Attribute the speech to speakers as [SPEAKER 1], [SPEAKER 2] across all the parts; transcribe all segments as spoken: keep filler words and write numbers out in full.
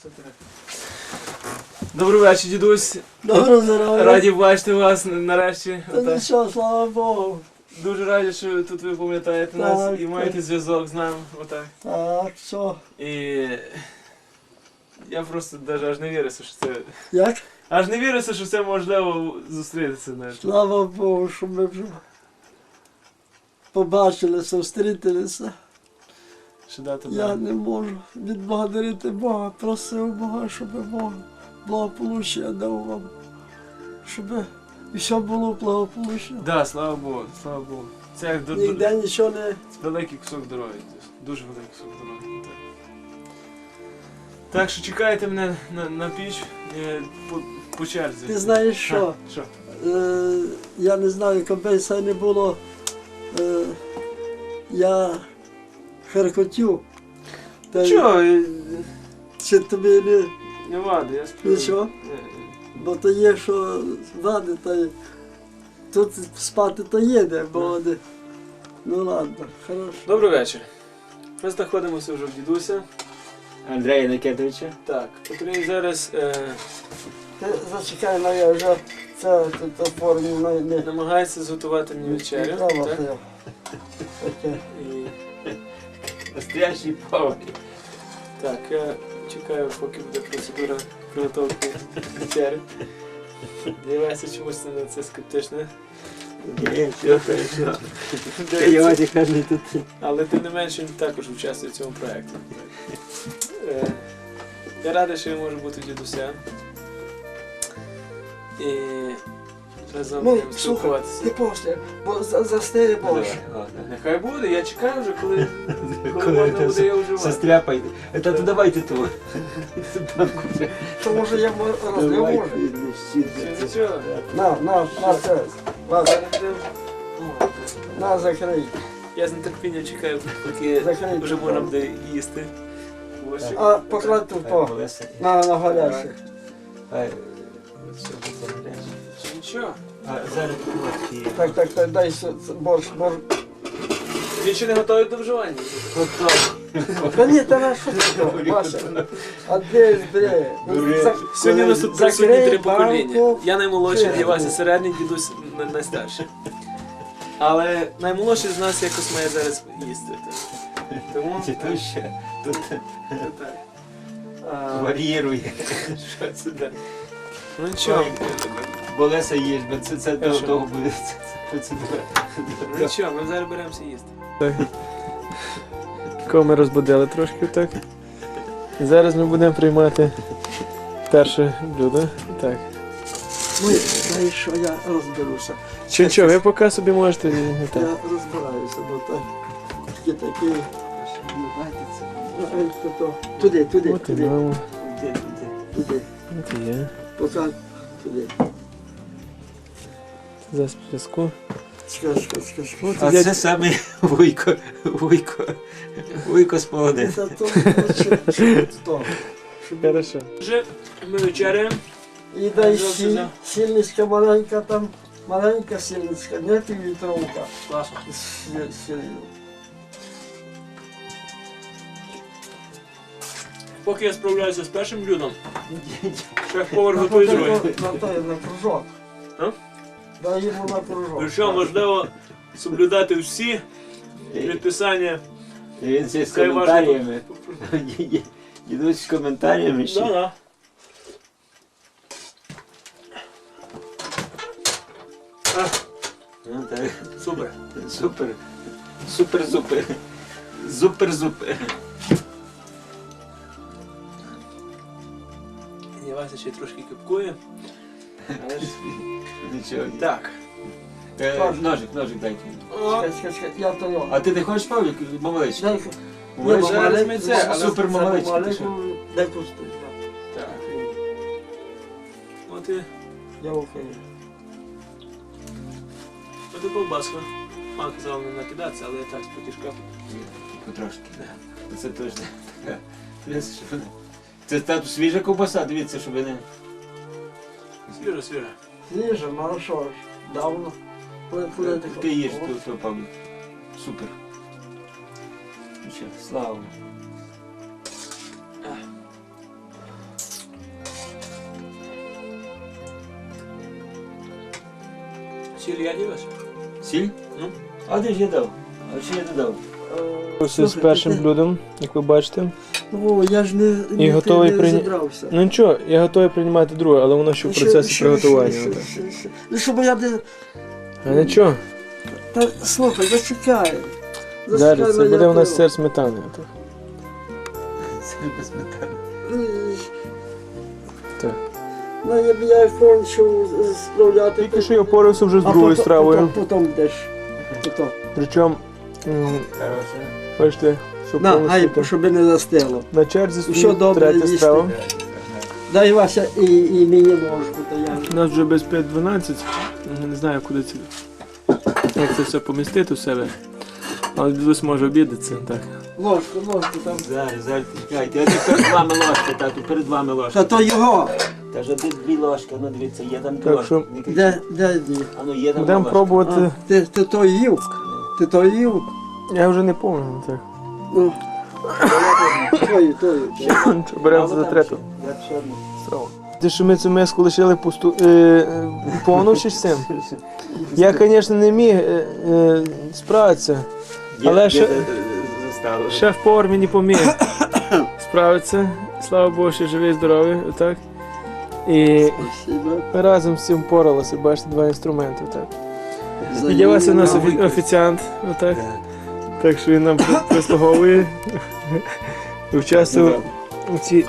[SPEAKER 1] Добрий вечір, дідусь.
[SPEAKER 2] Доброго здоров'я.
[SPEAKER 1] Раді бачити вас нарешті.
[SPEAKER 2] Та нічого, слава Богу.
[SPEAKER 1] Дуже раді, що тут ви пам'ятаєте
[SPEAKER 2] Так,
[SPEAKER 1] нас і
[SPEAKER 2] так.
[SPEAKER 1] маєте зв'язок з нами. Отак.
[SPEAKER 2] Так, що?
[SPEAKER 1] І я просто навіть аж не вірився, що це.
[SPEAKER 2] Як?
[SPEAKER 1] Аж не вірився, що це можливо зустрітися. навіть.
[SPEAKER 2] Слава Богу, що ми вже побачилися, зустрілися.
[SPEAKER 1] Що дати
[SPEAKER 2] Я
[SPEAKER 1] нам.
[SPEAKER 2] не можу відблагодарити Бога. Просив Бога, щоб Бог благополуччя дав вам. Щоб все було благополучно.
[SPEAKER 1] Да, слава Богу, слава Богу. Це як до,
[SPEAKER 2] Ніде
[SPEAKER 1] до,
[SPEAKER 2] нічого не...
[SPEAKER 1] великий кусок дороги. Дуже великий кусок дороги. Так, так що чекайте мене на, на піч е, по, по черзі.
[SPEAKER 2] Ти знаєш що?
[SPEAKER 1] А, що?
[SPEAKER 2] Е, я не знаю, коли це не було. Е, я харкотів. Та й-
[SPEAKER 1] Чого? е,
[SPEAKER 2] Чи тобі не...
[SPEAKER 1] Не вади, я сплю.
[SPEAKER 2] Нічого?
[SPEAKER 1] Е, е.
[SPEAKER 2] Бо то є, що вади, та й тут спати то є де, бо не... Ну ладно, хорошо.
[SPEAKER 1] Добрий вечір. Ми знаходимося вже в дідуся.
[SPEAKER 3] Андрея Никитовича.
[SPEAKER 1] Так, котрий зараз е,
[SPEAKER 2] Ти зачекай, ну я вже це тут оформив, ну не...
[SPEAKER 1] намагається зготувати мені вечерю.
[SPEAKER 2] Не треба
[SPEAKER 1] Так?
[SPEAKER 2] це. Таке.
[SPEAKER 1] І,
[SPEAKER 3] Настоящий повар.
[SPEAKER 1] так, я чекаю, поки буде процедура підготовки вечері. Дивайся чомусь на це скептичне.
[SPEAKER 3] Ні, все хорошо. Та його тільки не тут.
[SPEAKER 1] Але тим не менше він також участвує в цьому проєкті. Е, Я радий, що я можу бути дідусем. І разом
[SPEAKER 2] Ну,
[SPEAKER 1] будемо
[SPEAKER 2] слухай,
[SPEAKER 1] спілкуватися.
[SPEAKER 2] ти після, бо за- застигне борщ.
[SPEAKER 1] Нехай буде, я чекаю вже, коли, коли
[SPEAKER 3] Коли
[SPEAKER 1] можна
[SPEAKER 3] це
[SPEAKER 1] буде його вживати.
[SPEAKER 3] Состряпайте. Та то давайте то.
[SPEAKER 2] То може я мо- розлив може.
[SPEAKER 1] Чи нічого?
[SPEAKER 2] На, на, на це. На,
[SPEAKER 1] Зараз будемо-
[SPEAKER 2] на закрий.
[SPEAKER 1] Я з нетерпінням чекаю, поки
[SPEAKER 2] Закрий.
[SPEAKER 1] вже можна буде їсти. Борщик.
[SPEAKER 2] А покладь тут по. На, на гаряче.
[SPEAKER 1] Чи нічого?
[SPEAKER 3] А зараз тут.
[SPEAKER 2] Так, так, так, дай с- с- борщ, борщ.
[SPEAKER 1] Він ще не готовий до вживання.
[SPEAKER 2] Та ні, та на що ти, Вася? А де ж, де?
[SPEAKER 3] Дуре.
[SPEAKER 1] Сьогодні у нас тут присутні
[SPEAKER 2] Закрий
[SPEAKER 1] три покоління.
[SPEAKER 2] банку.
[SPEAKER 1] Я наймолодший,
[SPEAKER 2] Чи-
[SPEAKER 1] для вас і середній, дідусь на- найстарший. Але наймолодший з нас якось має зараз їсти. так. Тому
[SPEAKER 3] Чи то ще? Тут
[SPEAKER 1] це так. А,
[SPEAKER 3] варірує.
[SPEAKER 1] Що це да? Ну нічого,
[SPEAKER 3] Болеса їж, бо це це
[SPEAKER 1] А що?
[SPEAKER 3] того буде. Це процедура.
[SPEAKER 1] ну нічого, ми зараз беремося їсти. Так. Кого ми розбудили трошки так. І зараз ми будемо приймати перше блюдо. Так.
[SPEAKER 2] Ну, знаєш що, я розберуся.
[SPEAKER 1] Чи нічого, ви поки собі можете. не
[SPEAKER 2] Я
[SPEAKER 1] так.
[SPEAKER 2] розбираюся, бо так. Такі такі. Ай, то, то. Туди, туди,
[SPEAKER 1] От і
[SPEAKER 2] туди,
[SPEAKER 1] мамо.
[SPEAKER 2] туди.
[SPEAKER 1] От і є.
[SPEAKER 2] Поки туди.
[SPEAKER 1] За зв'язку.
[SPEAKER 2] Чекай, чекай, чекай, чекай.
[SPEAKER 1] От
[SPEAKER 3] А
[SPEAKER 1] і
[SPEAKER 3] це саме вуйко, вуйко, вуйко з молодим.
[SPEAKER 2] Це то, що- що то. Щоб-
[SPEAKER 1] Хорошо. Вже ми вечеряємо.
[SPEAKER 2] І дай
[SPEAKER 1] Зовсім
[SPEAKER 2] сіль,
[SPEAKER 1] за.
[SPEAKER 2] сільничка маленька там, маленька сільничка, не півлітровка.
[SPEAKER 1] Класно.
[SPEAKER 2] з сіллю.
[SPEAKER 1] Поки я справляюся з першим блюдом, шеф-повар готує друге.
[SPEAKER 2] На той, на кружок.
[SPEAKER 1] А?
[SPEAKER 2] Дай йому на кружок.
[SPEAKER 1] Причому важливо соблюдати всі предписання.
[SPEAKER 3] Він ще з
[SPEAKER 1] Хай
[SPEAKER 3] коментарями. Йдуть з коментарями
[SPEAKER 1] Да,
[SPEAKER 3] ще.
[SPEAKER 1] да. А,
[SPEAKER 3] Ну так,
[SPEAKER 1] супер.
[SPEAKER 3] супер. Супер-зупер. Супер-зупер.
[SPEAKER 1] Я Вася ще трошки кипкує. Але ж...
[SPEAKER 3] Нічого.
[SPEAKER 1] Так.
[SPEAKER 3] Е, Ножик, ножик дайте.
[SPEAKER 2] Чекай, чекай, чекай, я то його.
[SPEAKER 3] А ти не хочеш Павлік? Мамалечки?
[SPEAKER 2] Дай,
[SPEAKER 1] Ні,
[SPEAKER 2] ні,
[SPEAKER 1] зараз
[SPEAKER 2] маленьку,
[SPEAKER 1] ми це, але
[SPEAKER 3] супер маленьку,
[SPEAKER 2] маленьку,
[SPEAKER 3] ти що?
[SPEAKER 2] дай пусту.
[SPEAKER 1] Так. От і,
[SPEAKER 2] Я окей.
[SPEAKER 1] от і колбаска. Мама казала не накидатися, але я так спотішка.
[SPEAKER 3] Потрошки, так. Це точно така. Дивіться, щоб не- Це та свіжа ковбаса, дивіться, щоб не...
[SPEAKER 1] Свіжа, свіжа.
[SPEAKER 2] Свіже, ну що ж, давно. Куди, куди ти
[SPEAKER 3] Ти їж,
[SPEAKER 2] хочеш?
[SPEAKER 3] то, то, Павлік. Супер. Ну що, слава Богу. Сіль я дивився. Сіль? Ну. А де ж я дав? А чи я додав?
[SPEAKER 1] Ось з першим блюдом, як ви бачите.
[SPEAKER 2] О, я ж не,
[SPEAKER 1] І
[SPEAKER 2] не,
[SPEAKER 1] готовий
[SPEAKER 2] не
[SPEAKER 1] прийня-
[SPEAKER 2] розібрався.
[SPEAKER 1] Ну нічого, я готовий приймати друге, але воно ще в
[SPEAKER 2] Ще-
[SPEAKER 1] процесі
[SPEAKER 2] ще-
[SPEAKER 1] приготування.
[SPEAKER 2] ще-
[SPEAKER 1] отак.
[SPEAKER 2] ще- ще. Ну, щоб я не...
[SPEAKER 1] А нічого,
[SPEAKER 2] Та, слухай, зачекай.
[SPEAKER 1] далі
[SPEAKER 2] Зачекай
[SPEAKER 1] це
[SPEAKER 2] мене
[SPEAKER 1] буде у нас
[SPEAKER 2] пиво.
[SPEAKER 1] сир сметани. отак.
[SPEAKER 3] Сіль без сметани.
[SPEAKER 2] Ой.
[SPEAKER 1] Так.
[SPEAKER 2] Ну, я б я кончив справляти.
[SPEAKER 1] Тільки що я порався вже з
[SPEAKER 2] А
[SPEAKER 1] другою
[SPEAKER 2] потім-
[SPEAKER 1] стравою.
[SPEAKER 2] Потім, потім йдеш. Потім.
[SPEAKER 1] Причому, м,
[SPEAKER 3] Хороше.
[SPEAKER 1] бачите, щоб
[SPEAKER 2] На,
[SPEAKER 1] повністю
[SPEAKER 2] гай,
[SPEAKER 1] так.
[SPEAKER 2] щоб не застило.
[SPEAKER 1] На черзі
[SPEAKER 2] Що
[SPEAKER 1] стоїть
[SPEAKER 2] добре
[SPEAKER 1] третя
[SPEAKER 2] їсти?
[SPEAKER 1] страва.
[SPEAKER 2] Дай Вася і, і мені ложку, то я.
[SPEAKER 1] У нас вже без п'ять дванадцять. Не знаю, куди це. Як це все помістити у себе. Але дідусь може обідатися. Так.
[SPEAKER 2] Ложку, ложку там.
[SPEAKER 3] Зараз, зараз, чекайте. Я тут перед вами ложка, тату, перед вами ложка.
[SPEAKER 2] Та то його.
[SPEAKER 3] Та ж тут дві ложки, ну дивіться, є там дві
[SPEAKER 1] Так
[SPEAKER 3] ложки.
[SPEAKER 1] що-
[SPEAKER 3] Не кричіть.
[SPEAKER 2] Де, де, де?
[SPEAKER 3] А ну є там
[SPEAKER 1] Будемо
[SPEAKER 3] ложка.
[SPEAKER 1] пробувати.
[SPEAKER 2] А, ти, ти то їв? Ти то їв?
[SPEAKER 1] Я вже не пам'ятаю. Так.
[SPEAKER 2] Ну, тої, тої.
[SPEAKER 1] Що, беремо за
[SPEAKER 3] Мало там
[SPEAKER 1] третю
[SPEAKER 3] ще? Я ще одну.
[SPEAKER 1] страву. Ти що ми цю миску лишили пусту, е, е, повну чи з цим? Я, звісно, не міг е, е, справитися.
[SPEAKER 3] Є-
[SPEAKER 1] Але
[SPEAKER 3] є
[SPEAKER 1] ще-
[SPEAKER 3] за- заставили.
[SPEAKER 1] Шеф-повар мені поміг справитися. Слава Богу, що живий, здоровий. Отак. І
[SPEAKER 2] Спасибо.
[SPEAKER 1] ми разом з цим впоралися, бачите, два інструменти. Так.
[SPEAKER 2] За
[SPEAKER 1] І Євася у нас
[SPEAKER 2] її
[SPEAKER 1] офі- офіціант, отак.
[SPEAKER 3] Так.
[SPEAKER 1] Так що він нам при- прислуговує. І участвував у цій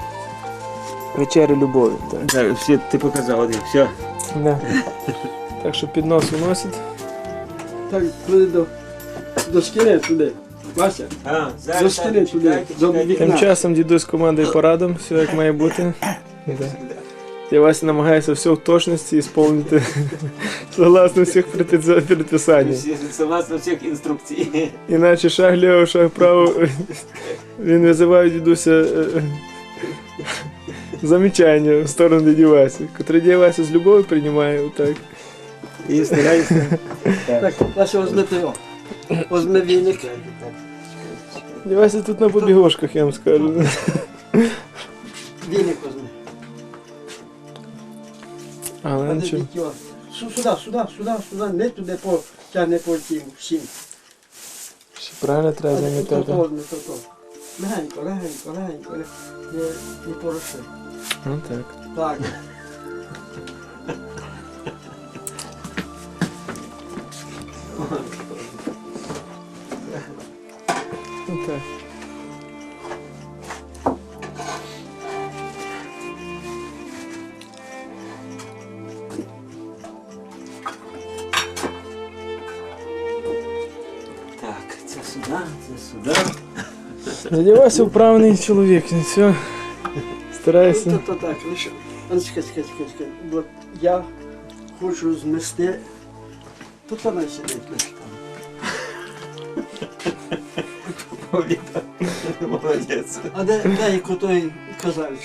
[SPEAKER 1] вечері любові. Так.
[SPEAKER 3] Так, все, ти показав один, все.
[SPEAKER 1] Да. Так що піднос уносить.
[SPEAKER 2] Так, туди до, до скини туди. Вася,
[SPEAKER 3] А,
[SPEAKER 2] До
[SPEAKER 3] зараз,
[SPEAKER 2] стіни
[SPEAKER 3] так,
[SPEAKER 2] туди,
[SPEAKER 3] чекайте,
[SPEAKER 2] до
[SPEAKER 3] чекайте.
[SPEAKER 2] вікна.
[SPEAKER 1] Тим часом дідусь командує парадом, все як має бути. Да. Я Вася намагається все в точності ісполнити согласно всіх предпис- предписань.
[SPEAKER 3] Всі- Согласно всіх інструкцій.
[SPEAKER 1] Іначе шаг ліво, шаг право. Він визиває дідуся е, замічання в сторону дяді Васі, котрий дядя Вася з любов'ю приймає отак. І старається.
[SPEAKER 2] так, Вася, возьми ти його. Возьми віник.
[SPEAKER 1] Дядя Вася тут на побігошках, я вам скажу.
[SPEAKER 2] Віник возьми.
[SPEAKER 1] Але
[SPEAKER 2] А
[SPEAKER 1] нічого.
[SPEAKER 2] де його? Су- Сюди, сюди, сюди, сюди, не туди по тягне по тім всім.
[SPEAKER 1] Ще правильно треба
[SPEAKER 2] А де
[SPEAKER 1] замітати.
[SPEAKER 2] то, не то, то. Легенько, легенько, легенько, не, не, не пороши.
[SPEAKER 1] Ну так.
[SPEAKER 2] Так.
[SPEAKER 1] Ну так.
[SPEAKER 3] Так, це сюди, це сюди.
[SPEAKER 1] Дядя Вася вправний чоловік, він все
[SPEAKER 2] Ну,
[SPEAKER 1] старається.
[SPEAKER 2] то, то так, лише. А ну, чекай, чекай, чекай, чекай. Бо я хочу змести. Тут вона сидить лише там.
[SPEAKER 3] Молодець.
[SPEAKER 2] А де, де як той казальчик?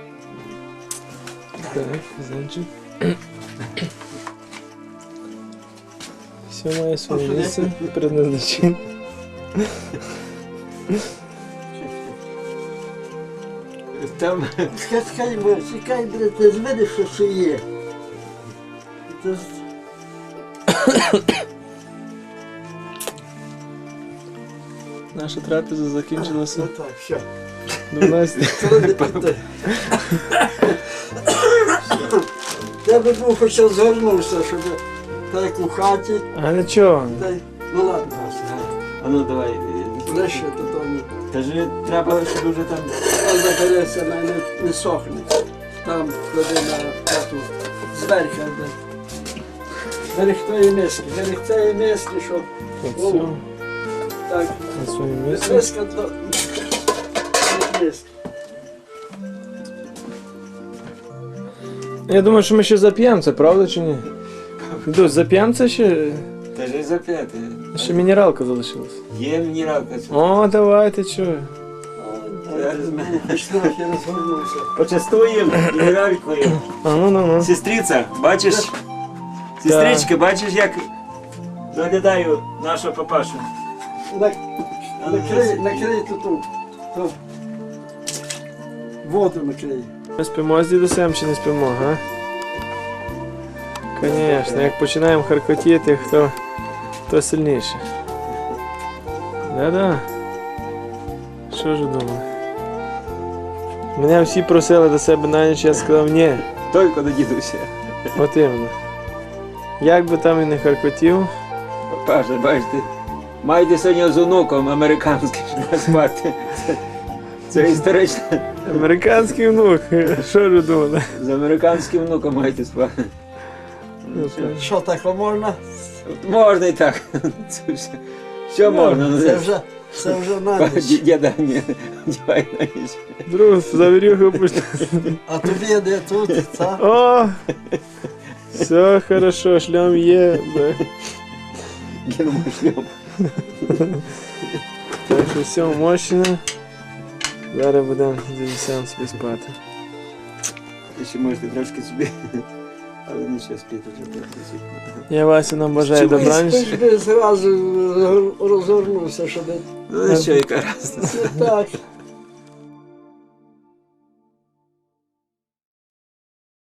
[SPEAKER 1] Так, значить. Все має своє
[SPEAKER 2] А,
[SPEAKER 1] місце і предназначення.
[SPEAKER 3] Там
[SPEAKER 2] Чекай, чекай, бо чекай, бля, ти ж видиш, що це є. Це ж...
[SPEAKER 1] Наша трапеза закінчилася
[SPEAKER 2] Ну так, все.
[SPEAKER 1] дванадцять.
[SPEAKER 2] Це не пити. Я би був хоч згорнувся, щоб так як у хаті.
[SPEAKER 1] А нічого.
[SPEAKER 2] Та й- Ну ладно, Вася,
[SPEAKER 3] А ну давай. е,
[SPEAKER 2] лише то то ні.
[SPEAKER 3] Та ж треба, щоб вже там.
[SPEAKER 2] Там забереться, не, не, не сохне. Там клади на хату зверху. де. Зверх тої миски, зверх цієї миски, що
[SPEAKER 1] От все
[SPEAKER 2] так,
[SPEAKER 1] на своє
[SPEAKER 2] без
[SPEAKER 1] місце.
[SPEAKER 2] миска до без миски.
[SPEAKER 1] Я думаю, що ми ще зап'ємо це, правда чи ні? Дось, зап'ємо це ще?
[SPEAKER 3] Та ж зап'яти.
[SPEAKER 1] Ще мінералка залишилась.
[SPEAKER 3] Є мінералка.
[SPEAKER 1] О, давайте, що?
[SPEAKER 3] Зараз ми
[SPEAKER 2] Хоч трохи розгорнувся.
[SPEAKER 3] почастуємо мінералькою.
[SPEAKER 1] А ну ну ну.
[SPEAKER 3] Сестриця, бачиш? Сестричка, бачиш, як доглядаю нашого папашу.
[SPEAKER 2] На- Накрий, накрий тут, ту, ту. Воду накрий.
[SPEAKER 1] Ми спимо з дідусем чи не спимо, га? Звісно, як починаємо харкотіти, хто, хто сильніше. Да-да. Що ж думав? Мене всі просили до себе на ніч, я сказав ні.
[SPEAKER 3] Тільки до дідуся.
[SPEAKER 1] От іменно. Як би там і не харкотів,
[SPEAKER 3] Паша, бачите, маєте сьогодні з онуком американським щоб спати. Це, це історично.
[SPEAKER 1] американський внук, що ж думали?
[SPEAKER 3] З американським внуком маєте спати.
[SPEAKER 2] Що таке можна?
[SPEAKER 3] Можна і так. Це все. Що можна? Ну,
[SPEAKER 2] Це
[SPEAKER 3] це
[SPEAKER 2] вже, це вже на ніч.
[SPEAKER 3] Діда, ні, дівай на ніч.
[SPEAKER 1] Друг, завірюху пусти.
[SPEAKER 2] А тобі де тут, це?
[SPEAKER 1] О! Все хорошо, шлям є. Да.
[SPEAKER 3] Кинемо шльом.
[SPEAKER 1] Так що все мощно. Зараз будемо дідусям собі спати.
[SPEAKER 3] Ви ще можете трошки собі. Але нічого спіти вже практично.
[SPEAKER 1] Я Васю нам бажаю добраніч.
[SPEAKER 2] Ти ж би зразу розгорнувся, щоб...
[SPEAKER 3] Ну що, яка разниця?
[SPEAKER 2] Так.